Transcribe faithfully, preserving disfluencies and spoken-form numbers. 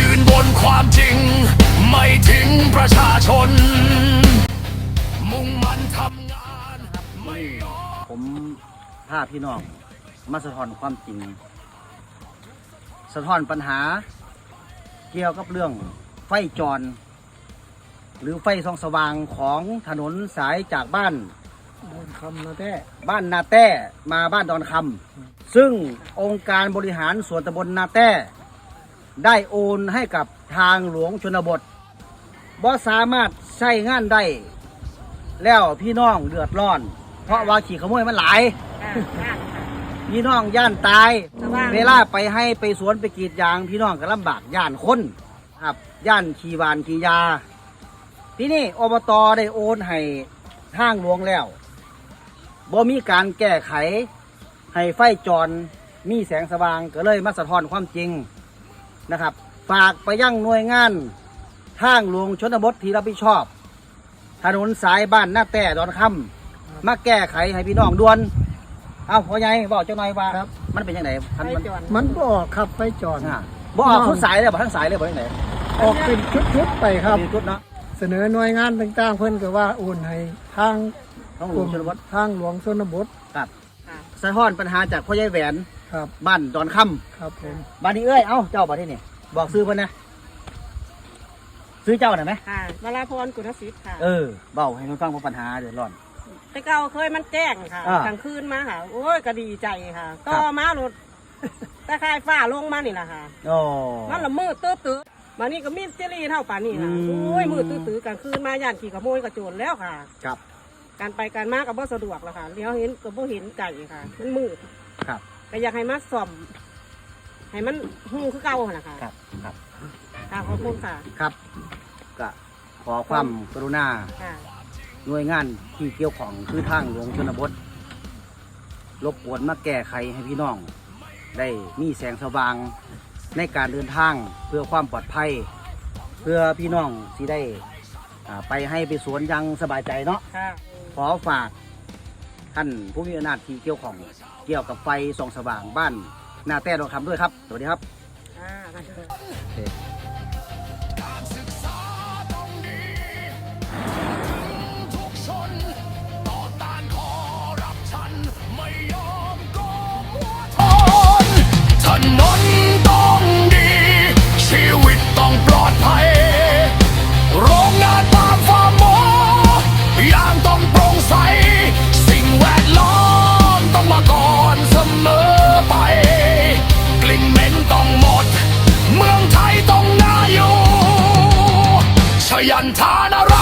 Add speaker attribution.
Speaker 1: ยืนบนความจริงไม่ทิ้งประชาชนมุ่งมั่นทำงานไม่ยอม
Speaker 2: ผมพาพี่น้องมาสะท้อนความจริงสะท้อนปัญหาเกี่ยวกับเรื่องไฟจรหรือไฟส่องสว่างของถนนสายจากบ้าน
Speaker 3: ดอนคำนาแต้
Speaker 2: บ้านนาแต้มาบ้านดอนคำซึ่งองค์การบริหารส่วนตำบลนาแต้ได้โอนให้กับทางหลวงชนบทบ่สามารถใช้งานได้แล้วพี่น้องเดือดร้อนเพราะว่าขี่ขโมยมันหลายพี่น้องย่านตายเวลาไปให้ไปสวนไปกรีดยางพี่น้องก็ลำบากย่านคนครับย่านขี่วานขี่ยาที่นี่อบตได้โอนให้ทางหลวงแล้วบ่มีการแก้ไขให้ไฟจรมีแสงสว่างก็เลยมาสะท้อนความจริงนะครับฝากไปยังหน่วยงานทางหลวงชนบทที่รับผิดชอบถนนสายบ้านนาแต้ดอนคำมาแก้ไขให้พี่น้องด่วนเอาพ่อใหญ่บอกเจ้าหน่อยว่ามันเป็นยังไงมัน
Speaker 3: มันบ่ออกครับไฟจร
Speaker 2: บ่ออกทุกสายเลยบ่ทั้งสายเลยบ่ยังไง
Speaker 3: ออกเป็นชุดๆไปครับ
Speaker 2: ชุดเนาะ
Speaker 3: เสนอหน่วยงานต่างๆเพิ่นก็ว่าโอนให้ทาง
Speaker 2: ทางหลวงชนบท
Speaker 3: ทางหลวงชนบท
Speaker 2: ครับสะท้อนปัญหาจากพ่อใหญ่แหวน
Speaker 3: ครับ
Speaker 2: บ้านดอนค
Speaker 3: ำครับผม
Speaker 2: บ้านนี้เอ้ยเอ้าเจ้าบ้านที่นี่บอกซื้อเพิ่นนะซื้อเจ้าหน่อยไหม
Speaker 4: ค่ะวราพรกุณศิษย์ค่ะ
Speaker 2: เออเบาให้คนฟังว่าปัญหาเดือดร้อน
Speaker 4: แต่เก่าเคยมันแจ้งค่ะกลางคืนมาค่ะโอ้ยก็ดีใจค่ะต่อมารถตะไคร่ฟ้าลงมานี่แหละค่ะ
Speaker 2: โอ้
Speaker 4: มันละมืดตื้อตื้อมานี่ก็มีเจลีเท่าป่านนี่ค่ะโอ้ยมืดตื้อตื้อกลางคืนมาย่านขี่ขโมยกระโจนแล้วค่ะ
Speaker 2: ครับ
Speaker 4: การไปการมากับบ่สะดวกแล้วค่ะเลี้ยวเห็นกับบ่เห็นไก่ค่ะมันมืด
Speaker 2: ครับ
Speaker 4: ก็อยากให้มาซ่อมให้มันหูคือเก่าค่ะนะคะ
Speaker 2: ครับครับ
Speaker 4: ค่ะขอบคุณค่ะ
Speaker 2: ครับก็ขอความกรุณาหน่วยงานที่เกี่ยวข้องคือทางหลวงชนบทรบกวนมาแก้ไขให้พี่น้องได้มีแสงสว่างในการเดินทางเพื่อความปลอดภัยเพื่อพี่น้องที่ได้ไปให้ไปสวนยังสบายใจเนาะขอฝากท่านผู้มีอำนาจที่เกี่ยวข้องเกี่ยวกับไฟส่องสว่างบ้านนาแต้ดอนคำด้วยครับสวัสดีครับ
Speaker 1: ถนนต้องดีชีวิตต้องปลอดภัยโรงงานปาล์มฟาร์มหมอยางต้องโปร่งใสสิ่งแวดล้อมต้องมาก่อนเสมอไปกลิ่นเหม็นต้องหมดเมืองไทยต้องน่าอยู่ชยันทาน